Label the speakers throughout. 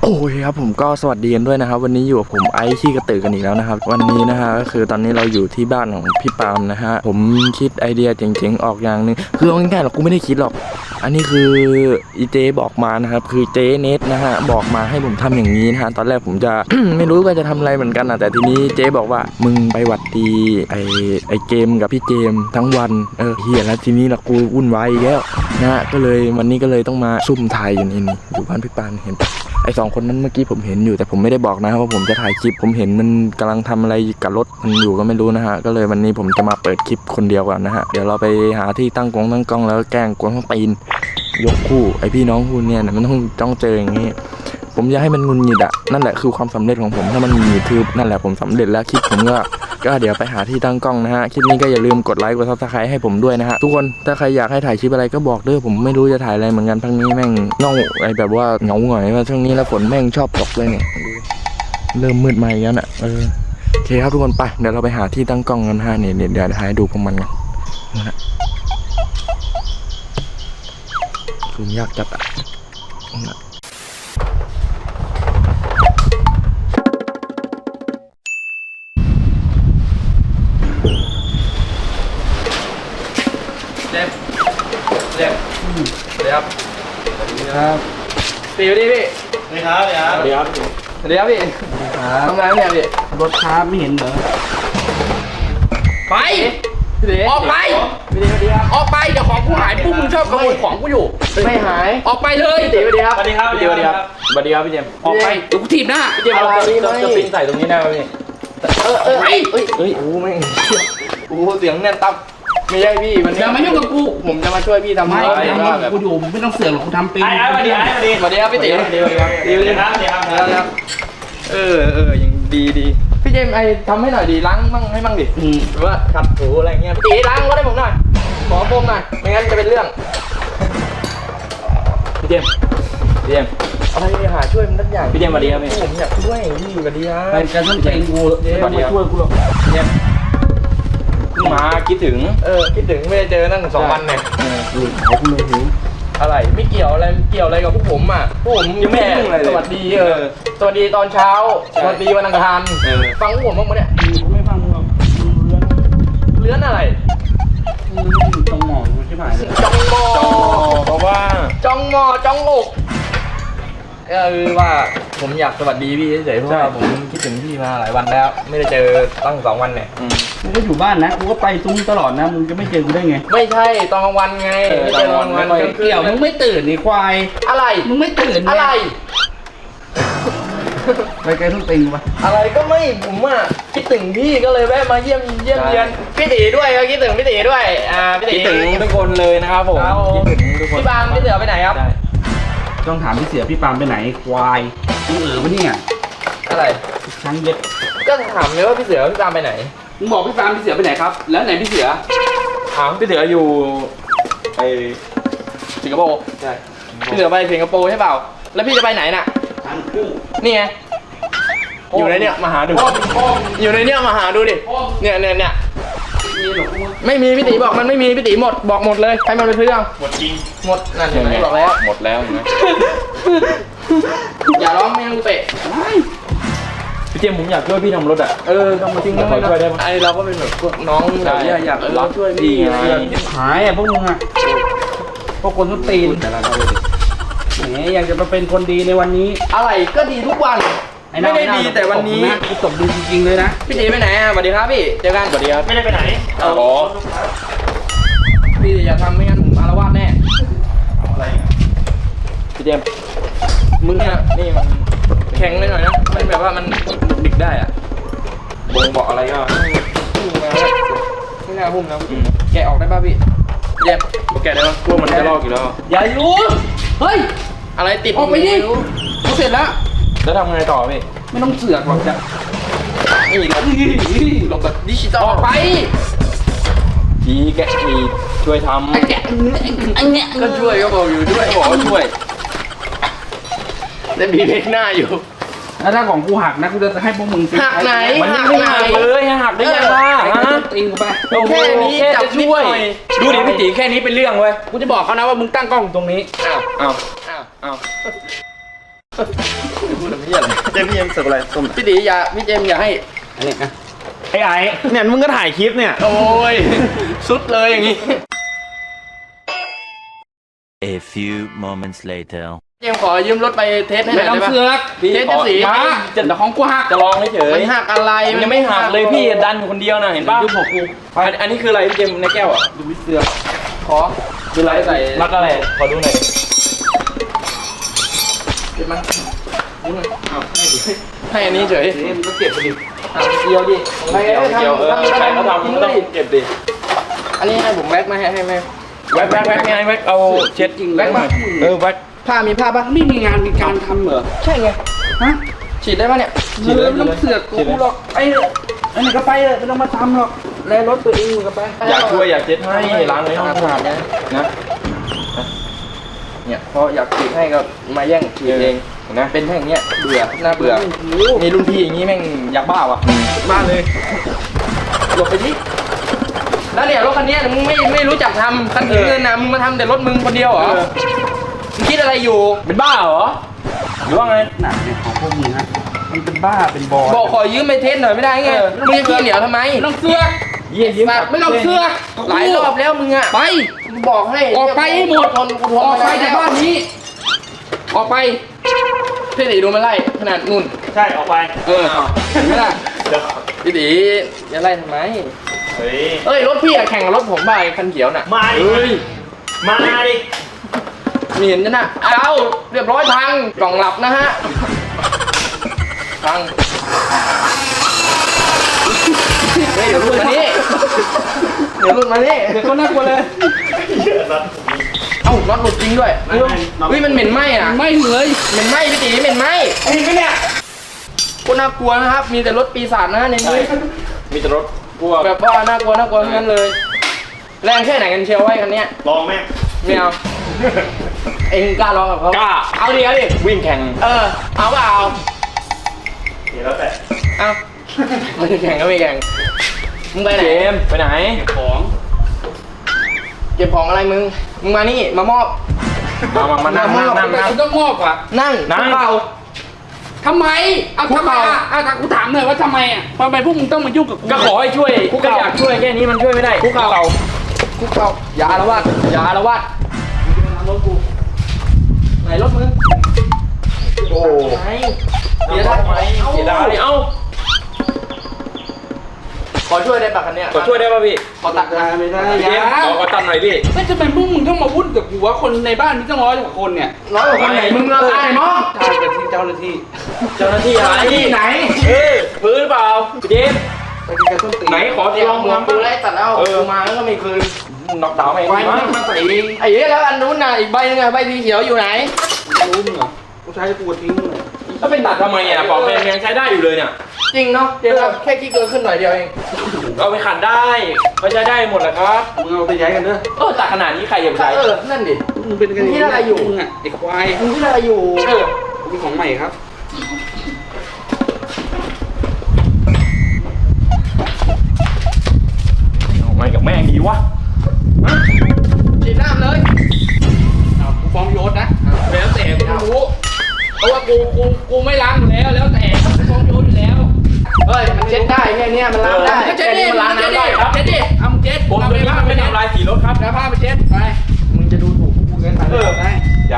Speaker 1: โอ้ยครับผมก็สวัสดีกันด้วยนะครับวันนี้อยู่กับผมไอซ์ขี้กระตือกันอีกแล้วนะครับวันนี้นะฮะก็คือตอนนี้เราอยู่ที่บ้านของพี่ปาล์มนะฮะผมคิดไอเดียเจ๋งๆออกอย่างนึงคือเอาง่ายๆหรอกกูไม่ได้คิดหรอกอันนี้คืออีเจบอกมานะครับคือเจเนทนะฮะบอกมาให้ผมทำอย่างนี้นะฮะตอนแรกผมจะ ไม่รู้ว่าจะทำอะไรเหมือนกันนะแต่ทีนี้เจบอกว่ามึงไปหวัดดีไอเกมกับพี่เจมทั้งวันเฮียแล้วทีนี้ละกูวุ่นวายอีกแล้วนะฮะก็เลยวันนี้ก็เลยต้องมาซุ่มถ่ายอยู่นี่อยู่บ้านพี่ปาล์มเห็นปะไอสองคนนั้นเมื่อกี้ผมเห็นอยู่แต่ผมไม่ได้บอกนะว่าผมจะถ่ายคลิปผมเห็นมันกำลังทำอะไรกับรถมันอยู่ก็ไม่รู้นะฮะก็เลยวันนี้ผมจะมาเปิดคลิปคนเดียวก่อนนะฮะเดี๋ยวเราไปหาที่ตั้งกล้องแล้วแกล้งกวนต้องตีนยกคู่ไอพี่น้องคู่เนี่ยมันต้องเจออย่างนี้ผมอยากให้มันงุนงิดอะนั่นแหละคือความสำเร็จของผมถ้ามันงุนงิดคือนั่นแหละผมสำเร็จแล้วคลิปผมก็เดี๋ยวไปหาที่ตั้งกล้องนะฮะคลิปนี้ก็อย่าลืมกดไลค์กดซับสไครต์ให้ผมด้วยนะฮะทุกคนถ้าใครอยากให้ถ่ายคลิปอะไรก็บอกด้วยผมไม่รู้จะถ่ายอะไรเหมือนกันพักนี้แม่งเงาไอแบบว่าเหงาหงอยว่าช่วงนี้แล้วฝนแม่งชอบตกเลยเนี่ยเริ่มมืดมาอีกแล้วน่ะโอเคครับทุกคนไปเดี๋ยวเราไปหาที่ตั้งกล้องกันฮะเนี่ยเดี๋ยวถ่ายดูพวกมันกันนะซูมยากจัดอ่ะเดี๋ยวครับตีไปดิพี่สวัสดีครับสวัสดีครับสวัสดีครับพี่ทำงานเนี่ยพี่
Speaker 2: รถครับไม่เห็นเหรอ
Speaker 3: ไปออกไปออกไปเดี๋ยวของกูหายปุ๊บมึงชอบขโมยของกูอยู่
Speaker 1: ไม่หาย
Speaker 3: ออกไปเลย
Speaker 1: พี่ตีสวัสดีครับ
Speaker 2: สวัสดีครับ
Speaker 1: สวัสดีครับสวัสดีครับพี่เจม
Speaker 3: ออกไปเดี๋ยวกูถีบหน้า
Speaker 1: พี่เจมเราจะปิ้งใส่ตรงนี้ได้ไหมพี่
Speaker 3: ไป
Speaker 1: เฮ้ยโอ้ไม่โอ้เสียงแน่นตับไม่ใช่พี่มัน
Speaker 3: อย่ามายุ่งกับกู
Speaker 1: ผมจะมาช่วยพี่ทำ
Speaker 3: ไม่กูอยู่ไม่ต้องเสือกหรอกกูทำเป็น
Speaker 2: สวัสดี
Speaker 1: ครับพี่ตีสวัสดีครับยังดีพี่เจมไอทำให้หน่อยดีล้างมั่งให้มั่งดิหรือว่าขัดถูอะไรเงี้ยพี่ตีล้างรถให้ผมหน่อยขอโฟมหน่อยไม่งั้นจะเป็นเรื่องพี่เจมอะไรหาช่วยมันทุกอย่าง
Speaker 2: พี่เจมสวัสดีครับพี่
Speaker 1: ผมอยากช่วยพี่สวัสดีครับ
Speaker 2: ไปกันต้องใจกูมาช่วยกูหรอก
Speaker 1: เนี่ยมาคิดถึงไม่ได้เจอนั่ง2 วันเนี่ย
Speaker 2: เขาคุณเลยหิว
Speaker 1: อะไรไม่เกี่ยวอะไรกับพวกผมอ่ะพวกผมยังไม่สวัสดีสวัสดีตอนเช้าสวัสดีวันอังคารฟังพวกผมบ้างมั้ยเนี่ย
Speaker 2: กูไม่ฟังหรอก
Speaker 1: เลื้อนอะไร
Speaker 2: ตรงหมอนใช่ไหม
Speaker 1: จ้องมอเพราะว่าจ้องมอจ้องอกว่าผมอยากสวัสดีพี่เฉยๆเพราะว่าผมคิดถึงพี่มาหลายวันแล้วไม่ได้เจอตั้ง2 วันเนี่ย
Speaker 2: กูก็อยู่บ้านนะกูก็ไปซุ้มตลอดนะมึงจะไม่เจอกูได้ไง
Speaker 1: ไม่ใช่ตอนกลางวันไงไม่เจอกลางวัน
Speaker 2: เกี่ยวมึงไม่ตื่นนี่ควาย
Speaker 1: อะไร
Speaker 2: มึงไม่ตื่น
Speaker 1: อะไร
Speaker 2: ไปไกลทุกติงวะ
Speaker 1: อะไรก็ไม่ผมอ่ะคิดถึงพี่ก็เลยแวะมาเยี่ยมเยียนพี่ตีด้วยก็คิดถึงพี่ตีด้วยพี่ตี
Speaker 2: คิดถึงทุกคนเลยนะครับผม
Speaker 1: คิดถึงทุกคนพี่ปาล์มพี่เสือไปไหนครับ
Speaker 2: ต้องถามพี่เสือพี่ปาล์มไปไหนควายมึงวะเนี่ย
Speaker 1: อะไร
Speaker 2: ช้างเย็ด
Speaker 1: ก็ถามเลยว่าพี่เสือพี่ปาล์มไปไหน
Speaker 2: มึงบอกพี่ปาล์มพี่เสือไปไหนครับแล้วไหนพี่เสือ
Speaker 1: ถามพี่เสืออยู่ไอสิงคโปร์ใช่พี่เสือไปสิงคโปร์ใช่เปล่าแล้วพี่จะไปไหนน่ะนี่ไงอยู่ในเนี้ยมาหาดูอยู่ในเนี้ยมาหาดูดิเนี่ยไม่มีพี่ตีบอกมันไม่มีพี่ตีหมดบอกหมดเลยให้มันไปซื้อเอา
Speaker 2: หมดจริง
Speaker 1: หมดนั่นเห็นไหมบอกแล้ว
Speaker 2: หมดแล้วเห็นไหม
Speaker 1: อย่าร้องไม่ต้องเตะ
Speaker 2: พี่เจมผมอยากช่วยพี่ทำรถอ่ะ
Speaker 1: ต้องมาจริง
Speaker 2: ขอช่วยได้ไหม
Speaker 1: ไอเราก็เป็นแบบพวกน้องอยากรับช่วยพี่
Speaker 2: หายอ่ะพวกมึงอ่ะพวกคนต้องตีนแต่ละเราเลยแหมอยากจะมาเป็นคนดีในวันนี้
Speaker 1: อะไรก็ดีทุกวันไม่ได้ดีแต่วันนี้
Speaker 2: กูตบดีจริงๆเลยนะ
Speaker 1: พี่ตีไปไหนสวัสดีครับพี่เจอกัน
Speaker 2: สวัสดีครับ
Speaker 3: ไม่ได้ไปไหน
Speaker 1: พี่อย่าทำไม่งั้นผมอารวาสแน่
Speaker 2: อะไรพี่เจม
Speaker 1: มึงอ่ะนี่มันแข็งเลยหน่อยนะมันแบบว่ามันดิกได้อ่ะ
Speaker 2: บ่งบอกอะไรก็
Speaker 1: พุ่งมาไม่น่าพุ่งนะแกะออกได้ป่ะพี่แยบ
Speaker 2: แกะได้ป่ะพวกมันจะลอกอยู่แล้ว
Speaker 3: อย่าอยู่เฮ้ย
Speaker 1: อะไรติด
Speaker 3: ออกไปดิกูเสร็จแล้ว
Speaker 2: ทำไงต่อพี่
Speaker 3: ไม่ต้องเสือกหรอกจ้ะ
Speaker 1: นี่ลงแบบดิจิตอล
Speaker 3: ออกไป
Speaker 2: แกะช่วยทำ
Speaker 1: ก็ช่วยก็บอกอยู่ด้วย
Speaker 2: บอกว่าช่วย
Speaker 1: เล่นบีเล็กหน้าอยู่
Speaker 2: แล้วถ้าของกูหักนะกูจะให้พวกมึง
Speaker 1: หักไหน
Speaker 2: มันไม่หักเลยหักได้ยังล่ะ
Speaker 1: ตีกูไปแค่นี้จับช่วย
Speaker 2: ดูดิพี่ตีแค่นี้เป็นเรื่องเว้ย
Speaker 3: กูจะบอกเขานะว่ามึงตั้งกล้องตรงนี้
Speaker 2: อ้าว
Speaker 1: พูดอะไรพี่อะไร
Speaker 3: เจมส์พี่เจมส์เสิร์ฟอะไรส้ม
Speaker 1: พี่ตีอย่าพี่เจมส์อย่าให้อันนี้นะ
Speaker 3: ไอ้เนี่ยมึงก็ถ่ายคลิปเนี่ย
Speaker 1: โอ้ยสุดเลยอย่างงี้
Speaker 4: A few moments later.
Speaker 1: เจมส์ขอยืมรถไปเทสให้ห
Speaker 2: ไม่
Speaker 1: น่อย
Speaker 2: ต้อง
Speaker 1: ได้ปะ
Speaker 2: เสือก
Speaker 1: เทสจะสี
Speaker 2: มาจะแต่ของกูหัก
Speaker 1: จะลองเฉย
Speaker 2: มันหักอะไร
Speaker 1: มันยังไม่หักเลยพี่ดันอยู่คนเดียวนะเห็นป่ะ
Speaker 2: ยุบหัวกู
Speaker 1: อันนี้คืออะไรพี่เจมส์ในแก้วอ่ะ
Speaker 2: ดูวิเสือก
Speaker 1: ขอคืออะไรใส่รักอะไรขอดูหน่อยเก็บมาดูหน่อย
Speaker 2: อ้าวให้ดิ
Speaker 1: ให้อันนี้เฉย
Speaker 2: นี่มันก็เก็บไปดิ
Speaker 1: เกี่ยวดิ
Speaker 3: เกี่ยวใครเขาทำก็ต้องเก็บดิ
Speaker 1: อันนี้ให้ผมแว็กมาให้ไหมแว็กไงแว็กเอาเช็ดจริงแว็กมาแว็กผ้ามีผ้าปะ
Speaker 2: ไม่มีงานมีการทำเหรอ
Speaker 1: ใช่ไง
Speaker 2: ฮะ
Speaker 1: ฉีดได้ปะเนี่ย
Speaker 2: ไม่ต้องเสือกกูหรอกไอ้ไหนก็ไปเลยไม่ต้องมาทำหรอกแลรถตัวเองมึงก็ไป
Speaker 3: อยากช่วยอยากเช็ดให้ล้างในห้อง
Speaker 1: ขนาดนี้นะเนี่ยพออยากฉีดให้ก็มาแย่งฉีดเองนะเป็นแค่อย่างเงี้ยเบื่อน่าเบื่อมีรุ่นพี่อย่างงี้แม่งอยากบ้าวะ
Speaker 3: บ้านเลย
Speaker 1: หลบไปดิแล้วเนี่ยรถคันนี้มึงไม่รู้จักทำคันถือเงินนะมึงมาทำแต่รถมึงคนเดียวเหรอมึงคิดอะไรอยู่เป็นบ้าเหรอหรือว่าไง
Speaker 2: หนักเนี่ยของพวกมึงฮะมันเป็นบ้าเป็นบอล
Speaker 1: บอกขอยืมไปเทสหน่อยไม่ได้ไงมึงจะขี้เหนียวทำไม
Speaker 2: ไม่ต้องเสือก
Speaker 1: สัตว์
Speaker 2: ไม่ต้องเสือก
Speaker 1: หลายรอบแล้วมึงอะ
Speaker 2: ไป
Speaker 1: กูบอกให้
Speaker 2: ออกไปให้หมด
Speaker 1: ทนกูทน
Speaker 2: ออกไป
Speaker 1: ม่ด้
Speaker 2: จากบ้านนี้ ออกไป
Speaker 1: พี่ตีดูมันไล่ขนาดนุ่น
Speaker 3: ใช่ออกไป
Speaker 2: เออเห็นไหมล่ะ
Speaker 1: พี่ตีจะไล่ทำไม
Speaker 3: เฮ้ย
Speaker 1: เอ้ยรถพี่อะแข่งกับรถผมไปคันเขียวน่ะ
Speaker 3: มาดิ
Speaker 1: เฮ้ย
Speaker 3: มาดิ
Speaker 1: มีเห็นนะเอาเรียบร้อยพังกล่องหลับนะฮะพังเฮ้ยเดี๋ยวหลุดมานี่เดี๋ยวหลุดมานี่
Speaker 2: เดี๋ยวก็น่ากลัวเลย
Speaker 1: เอ้าน็อตหลุดจริงด้วยเฮ้ยมันเหม็นไหม้อะ
Speaker 2: ไม่เลย
Speaker 1: เหม็นไหม้พี่ตีเหม็นไหม้
Speaker 2: เห็นไหมเนี่ย
Speaker 1: กูน่ากลัวนะครับ มีแต่รถปีศาจนะในนี้
Speaker 3: มีแต่รถพวก
Speaker 1: แบบว่าน่ากลัวทั้งนั้นเลย แรงแค่ไหนกันเชียวไว้คันเนี้ย
Speaker 3: ลองแม่
Speaker 1: ไม่เอา เองกล้าลองกับเขา
Speaker 3: กล้า
Speaker 1: เอาดิเอาดิ
Speaker 3: วิ่งแข่ง
Speaker 1: เอาเปล่า
Speaker 3: เดี๋ยวแล้วแต่
Speaker 1: เอาไม่แข่งก็ไม่แข่งมึงไปไหน
Speaker 3: เจมส์ไปไหน
Speaker 2: ของ
Speaker 1: เก็บของอะไรมึงมานี่มามอบ
Speaker 3: มานั่ง
Speaker 2: กูต้องงอกว่ะ
Speaker 1: นั่ง
Speaker 3: นั่ง
Speaker 1: เปล่า
Speaker 2: ทำไมเอาทำไมอ่ะถ้ากูถามหน่อยว่าทำไมอ่ะทำไมพวกมึงต้องมายุ่งกับกู
Speaker 3: ก็ขอให้ช่วยก็อยากช่วยแค่นี้มันช่วยไม่ได้
Speaker 1: คุกเข่าคุกเข่าอย่าอาละวาดอย่าอาละวาดรถกูไหนรถมึง
Speaker 3: โอ้
Speaker 1: ไหนเสียดายไหม
Speaker 3: เสียดายเอ้า
Speaker 1: ขอช่วยได้ปะคันเนี้ย
Speaker 3: ขอช่วยได้ป่ะพี่
Speaker 1: ขอตัด
Speaker 2: ไม่ได้
Speaker 3: พี่เจมส์ขอตัดหน่อยพี่
Speaker 2: ไม่ทำไมพวกมึงต้องมาวุ่นกับกูวะคนในบ้านมีตั้ง100 กว่าคนเนี่ย
Speaker 1: น้อยกว่าคนไหนมึงละตายมั้ง
Speaker 2: ใช่เป็นที่เจ้าหน้าที่
Speaker 3: เจ้าหน้าที่อะไร
Speaker 1: ที่ไหน
Speaker 3: พื้นหรือเปล่าพี่เจมส์
Speaker 2: ไปกินกันต้นตีน
Speaker 3: ไหนขอ
Speaker 1: เดี๋ยว
Speaker 3: ลอง
Speaker 1: หัว
Speaker 3: ทำ
Speaker 1: กูไล่ตัดแล้วกูมาแล้วก็ไม่คืน
Speaker 3: น็อกดาวน์ไหม
Speaker 2: ไว้มาใส่เอง
Speaker 1: ไอ้เหี้ยแล้วอันนู้นน่ะอีกใบนึงอ่ะใบสีเขียวอยู่ไหน
Speaker 2: รู้มึงเหรอกูใช้กูทิ้งเลย
Speaker 3: แล้วไปตัดทำไมอ่ะปอกแมงยังใช้ได้อยู่เลยเนี่ย
Speaker 1: จริงเนาะเดี๋ยวแค่ขี้เกินขึ้นหน่อยเดียวเอง
Speaker 3: เอาไปขัดได้ก็ใช้ได้หมดแหละครับ
Speaker 2: มึงเอาไปย้ายกันเด้อ
Speaker 3: ตัดขนาดนี้ใครจะใช้
Speaker 1: นั่นดิ
Speaker 2: มึงเป็นกัน
Speaker 1: มึงคิดอะไรอยู่
Speaker 2: มึงอ่ะไอ้ควาย
Speaker 1: มึงที่อะไรอยู่
Speaker 2: มีของใหม่ครับ
Speaker 3: เอาไงกับแม่งดีวะ
Speaker 1: ฉีดน้ำเลย
Speaker 2: เอากูฟ้องโยศนะแล้วแต่กูรู้เพราะว่ากูไม่ล้างอยู่แล้วแต่กูฟ้องโยศอยู่แล้ว
Speaker 1: เฮ้ยมันเช็ดได้แค่เนี้ยมันล้างได้
Speaker 2: ก็เช็ดดิ
Speaker 1: มันล้างน้ำได้ครับ
Speaker 2: เช็ดดิเอามึงเช็ด
Speaker 3: ผมตัวนี้ไม่ทำลายสีรถครับ
Speaker 2: แล้วผ้าไปเช็ดไป
Speaker 1: มึงจะดูถูกกูเกินไป
Speaker 2: ไป
Speaker 3: อย่า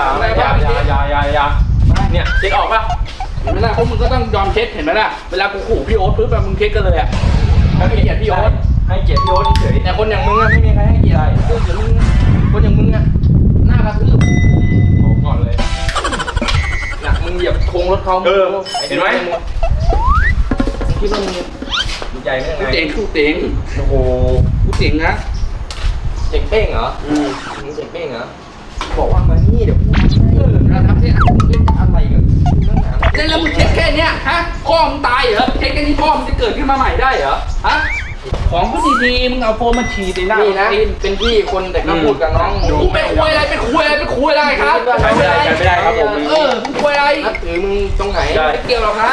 Speaker 3: เนี่ยเช็ดออกป่ะ
Speaker 2: เห็นไหมล่ะพวกมึงก็ต้องยอมเช็ดเห็นไหมล่ะเวลากูขู่พี่โอ๊ตปุ๊บแบบมึงเช็ดกันเลยอ่ะ
Speaker 1: ให้เกียรติพี่โอ๊ต
Speaker 3: ให้เกียรติพี่โอ๊ตเฉย
Speaker 1: แต่คนอย่างมึงอะไม่มีใครให้เกียรติคนอย่างมึงอะหน้ากระทืบ
Speaker 3: บอกก่อนเลย
Speaker 1: หนักมึงเหยียบโครงรถเขา
Speaker 3: เห็นไหม
Speaker 1: มึงคิดว่ามึง
Speaker 3: ดีใจไม่
Speaker 2: กู
Speaker 3: ยังไง
Speaker 2: เจ๋งกูเจ๋ง
Speaker 3: โอ้โห
Speaker 2: กูเจ๋งนะ
Speaker 1: เจ๋งเป้งเหรอ
Speaker 2: อืม
Speaker 1: มึงเจ๋งเป้งเหรอบอกว่ามานี่เดี๋ยวพูดให้
Speaker 2: เราทำที่
Speaker 1: อะไรกันตั้งนาน
Speaker 2: แล้วมึงเช็ดแค่เนี้ยฮะพ่อมึงตายเหรอเช็ดแค่นี้พ่อมึงจะเกิดขึ้นมาใหม่ได้เหรอฮะของก็ดีๆมึงเอาโฟมมาฉีดในหน้า
Speaker 1: นี่นะ เป็นพี่คนแต่ก็พูดกับน้อง
Speaker 2: กูเป็นคุยอะไรเป็นคุยอะไรเป็นคุยอะไรครับ
Speaker 3: ใช้ไม่ได้ครับผม
Speaker 2: มึงคุยอะไร
Speaker 1: นับถือมึงตรงไหน
Speaker 3: ได้
Speaker 2: ไม่เกี่ยวหรอกครับ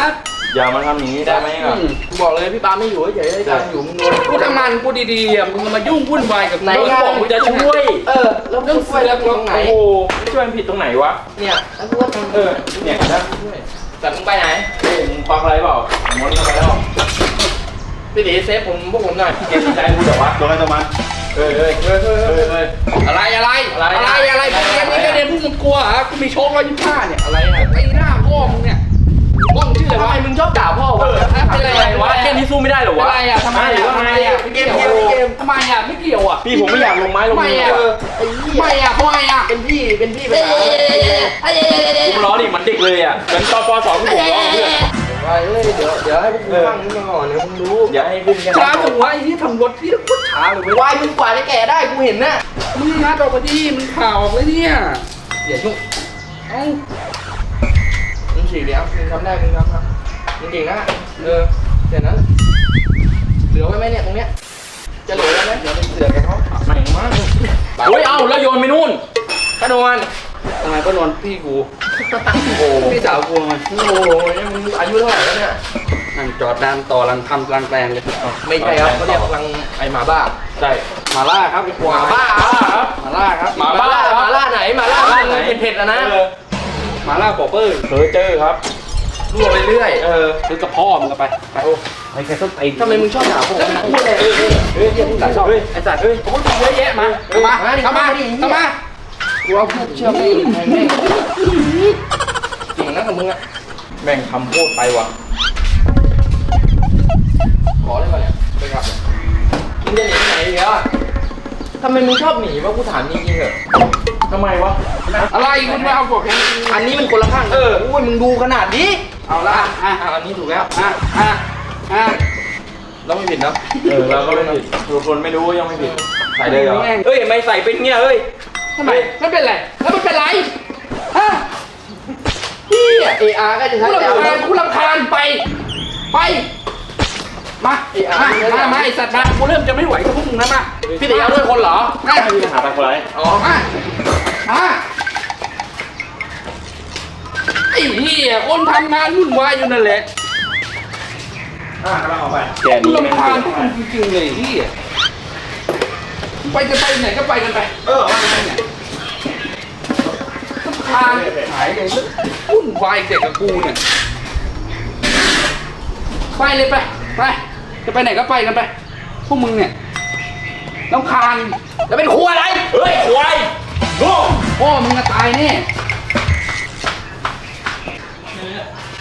Speaker 1: อย่ามาทำอย่างนี้ได้ไหมอ่ะ
Speaker 3: กูบอกเลยพี่ปาไม่อยู่เฉยๆให้การอยู่มึงโดน
Speaker 2: กูทำงานกูดีๆอ่ะมึงมายุ่งวุ่นวายกับ
Speaker 3: ไหน
Speaker 2: กู
Speaker 3: งาน
Speaker 2: บอกกูจะช่วย
Speaker 3: แล้วมึงช่วยแล้วตรงไหน
Speaker 1: โอ้โหไม่ช่วยมันผิดตรงไหนวะ
Speaker 3: เนี่ยแล้วกูก็ทำ
Speaker 1: เนี่ยนะ
Speaker 3: แต่มึงไปไหน
Speaker 1: เฮ้ยมึงควักอะไรเปล่าม้วนเข้าไปแล้ว
Speaker 3: พี่ตีเซฟผมพวกผมหน่อย
Speaker 1: เกมใจกูเดี๋ยววะโดนอะไรตัวมันเฮ้ย
Speaker 2: อะไรเกมนี้พวกมึงกลัวเหรอกูมีโชค125เนี่ยอะไรอ่ะไอ้หน้าพ่อมึงเนี่ยบ้องชื่ออะไร
Speaker 3: ทำ
Speaker 2: วะ
Speaker 3: ไมมึงชอบด่าพ่อวะ
Speaker 2: เป็นไรวะ
Speaker 1: เกมนี้สู้ไม่ได้เหรอวะ
Speaker 2: อะไรอ่ะทำไมอ่ะทำไมอ่ะ
Speaker 3: เกม
Speaker 2: ทำไมอ่ะไม่เกี่ยวอ่ะ
Speaker 1: พี่ผมไม่อยากลงไม้ลง
Speaker 2: ไม่
Speaker 1: มือ
Speaker 2: อ่ะ
Speaker 3: ไอ้เหี้ย
Speaker 2: ไม่อ่ะทำไมอ่ะ
Speaker 3: เป็นพี่ไปหา
Speaker 1: กูล้อดิมันเด็กเลยอ่ะเหมือนตอนป .2 ที่ผมล้อเพื่อน
Speaker 3: ไปเลยเดี๋ยวให้พวกมึงฟังนี้มาก่อนเดี๋ยวมึงรู้
Speaker 1: อย่าให้ขึ้นกัน
Speaker 2: ช้าจังวะไอ้ที่ทำรถที่โคตรช้าเลยเว้ยว
Speaker 3: ายมึงกว่าจะแก่ได้กูเห็นน่ะ
Speaker 2: มึงงัดออกมาดิมึงข่าวออกเลยเนี่ย
Speaker 3: อย่ายุ่ง
Speaker 2: เอ้า
Speaker 3: มึงฉีกเดี๋ยวมึงทำได้มึงทำครับมึงเก่งนะเดี๋ยวนั้นเหลือไว้ไหมเนี่ยตรงเนี้ยจะเหลือไว้ไหมเดี๋ยวมึงเสือกกับเขา
Speaker 1: ไม่มากเฮ้ยเอ้าแล้วโยนไปนู่น
Speaker 3: กระโดด
Speaker 2: ทำไมก็นอนพี่กู
Speaker 3: โอ้โห
Speaker 2: พี่สาวกูมัน
Speaker 3: โอ้โหมึงอายุเท่าไหร่แล้วเนี่ย
Speaker 2: นั่งจอดดานต่อรังทำรังแปลงเลย
Speaker 3: ไม่ใช่ครับเขาเรียกรังไอหมาบ้า
Speaker 1: ใช่
Speaker 2: มาล่าครับไอ้ควาย
Speaker 3: บ้าครับ
Speaker 2: มาล่าครับ
Speaker 1: หมาบ้า
Speaker 3: หมาล่าไหนหมาล่าไหนเผ็ดๆนะ
Speaker 2: มาล่าปอเปอร์
Speaker 1: เฮ้ยเจอครับ
Speaker 3: รั่วไปเรื่อย
Speaker 2: ซื้อกับพ่อมึงก็ไปไปแค่ต้นตีน
Speaker 3: ทำไมมึงชอบด่าผมนะพูดเลยมึงด่าชอบไอสัตว์
Speaker 2: โอ้ยเยอะแยะมาเข้ามา
Speaker 3: กูเอาพูดเชื่อไม่แทงแม่งเก่งนะกับมึงอะ
Speaker 1: แม่งทำพูดไปวะ
Speaker 3: ขอเลยมาเนี่ยไปกลับเนี่ยมึงจะหนีไปไหนอีกแล้วอะทำไมมึงชอบหนีวะกูถามจริงๆเหอะ
Speaker 1: ทำไมวะ
Speaker 2: อะไรคุณมาเอาบอกแค่
Speaker 3: อันนี้มันคนละข้างอุ้ยมึงดูขนาดนี้
Speaker 2: เอาละ
Speaker 3: อันนี้ถูกแล้ว เราไม่ผิดนะ
Speaker 1: เราก็ไม่ผิดทุกคนไม่รู้ยังไม่ผิดใส่เลยเหรอเฮ้ยไม่ใส่เป็นเงี้ยเฮ้ย
Speaker 2: ทำไมไม่เป็นไรแล้วมันเป็นไรฮะ
Speaker 3: พี่เออาร์ก็จะใช้
Speaker 2: กูรำคาญไปมาไอสัตว์มากูเริ่มจะไม่ไหวกับพวกมึงแล้วมา
Speaker 3: พี่ตีเอาด้วยคนเหรอ
Speaker 2: มา
Speaker 1: ไม่มีปัญหาไปคนไร
Speaker 3: อ๋อ
Speaker 2: มาไอ้เหี้ยคนทำงานวุ่นวายอยู่นั่นแหละ
Speaker 1: กำลังออกไปแก
Speaker 2: กู
Speaker 1: นี่ไม่
Speaker 2: รำคาญ
Speaker 1: ผิ
Speaker 2: พวกมึงจริงๆเลยเหี้ยไปจะไปไหนก็ไปกันไปรำคาญหายเลยวุ่นวายเด็กกับกูเนี่ยไปเลยไปจะไปไหนก็ไปกันไปพวกมึงเนี่ยรำคาญ
Speaker 3: แล้วเป็นครัวอะไร
Speaker 1: เฮ้ยควายโง่
Speaker 2: พ่อมึงจะตายแน่